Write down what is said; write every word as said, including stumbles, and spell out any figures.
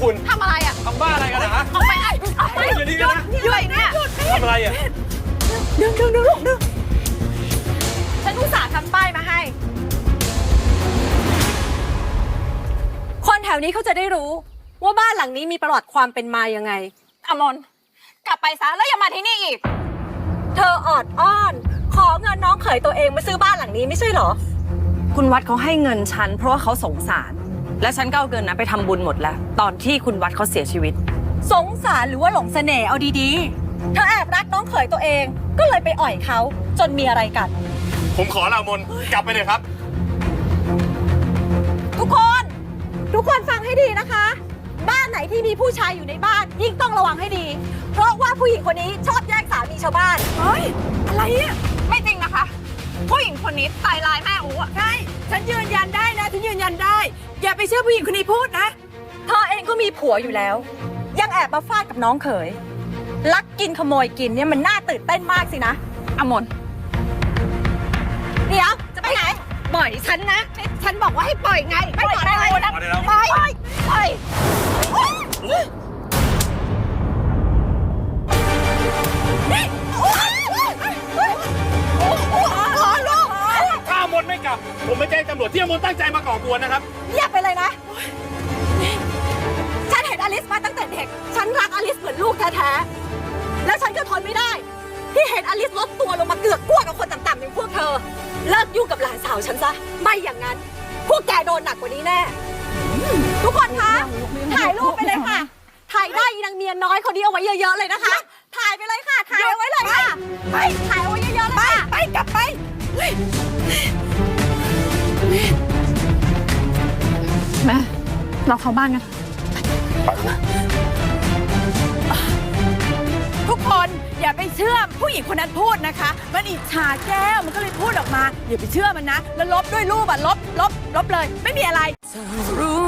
คุณทำอะไรอ่ะทำบ้าอะไรกันนะฮะเอาไปไอ้เอาไปอยู่นี่กันนะหยุดเนี่ยทำอะไรอ่ะดึงดึงดึงลูกดึงฉันอุตส่าห์ทำป้ายมาให้คนแถวนี้เขาจะได้รู้ว่าบ้านหลังนี้มีประวัติความเป็นมายังไงอมนกลับไปซะแล้วอย่ามาที่นี่อีกเธอออดอ้อน ขอเงินน้องเขยตัวเองมาซื้อบ้านหลังนี้ไม่ใช่เหรอคุณวัดเขาให้เงินฉันเพราะว่าเขาสงสาร และฉันก็เอาเงินนั้นไปทำบุญหมดแล้ว ตอนที่คุณวัดเขาเสียชีวิตสงสารหรือว่าหลงเสน่ห์เอาดีๆ เธอแอบรักน้องเขยตัวเอง ก็เลยไปอ่อยเขาจนมีอะไรกันผมขอลามนกลับไปเลยครับทุกคน ทุกคนฟังให้ดีนะคะ บ้านไหนที่มีผู้ชายอยู่ในบ้านยิ่งต้องระวังให้ดี เพราะว่าผู้หญิงคนนี้ชอบแย่งสามีชาวบ้านเฮ้ย อะไรอ่ะ ไม่จริงนะคะ ผู้หญิงคนนี้ตายร้ายแม่อู๋อ่ะใช่ ฉันยืนยันได้นะฉันยืนยันได้ อย่าไปเชื่อผู้หญิงคนนี้พูดนะเธอเองก็มีผัวอยู่แล้ว ยังแอบมาฟาดกับน้องเขย ลักกินขโมยกินเนี่ยมันน่าตื่นเต้นมากสินะอมนเดี๋ยวจะไปไหนปล่อยฉันนะ ฉันบอกว่าให้ปล่อยไงไม่ปล่อยอะไรนะเอาได้แล้วปล่อยปล่อยปล่อยขอลูกถ้ามนไม่กลับ ผมไม่แจ้งตำรวจที่อมนตั้งใจมาก่อกวนนะครับเงียบไปเลยนะ ฉันเห็นอลิสมาตั้งแต่เด็ก ฉันรักอลิสเหมือนลูกแท้ๆ แล้วฉันก็ทนไม่ได้ ที่เห็นอลิสลดตัวลงมาเกือกกลัวกับคนต่ำๆอย่างพวกเธอ เลิกยุ่งกับหลานสาวฉันซะ ไม่อย่างนั้น พวกแกโดนหนักกว่านี้แน่ ทุกคนคะ ถ่ายรูปไปเลยค่ะ ถ่ายได้อีนางเมียน้อยคนนี้เอาไว้เยอะๆเลยนะคะ ถ่ายไปเลยค่ะ ถ่ายเอาไว้เลยค่ะ ไป ถ่ายเอาไว้เยอะๆเลยค่ะไปกลับไปแม่เราเข้าบ้านกันทุกคนอย่าไปเชื่อผู้หญิงคนนั้นพูดนะคะ มันอิจฉาแก้วมันก็เลยพูดออกมา อย่าไปเชื่อมันนะ แล้วลบด้วยรูปอ่ะลบลบลบเลย ไม่มีอะไรรู้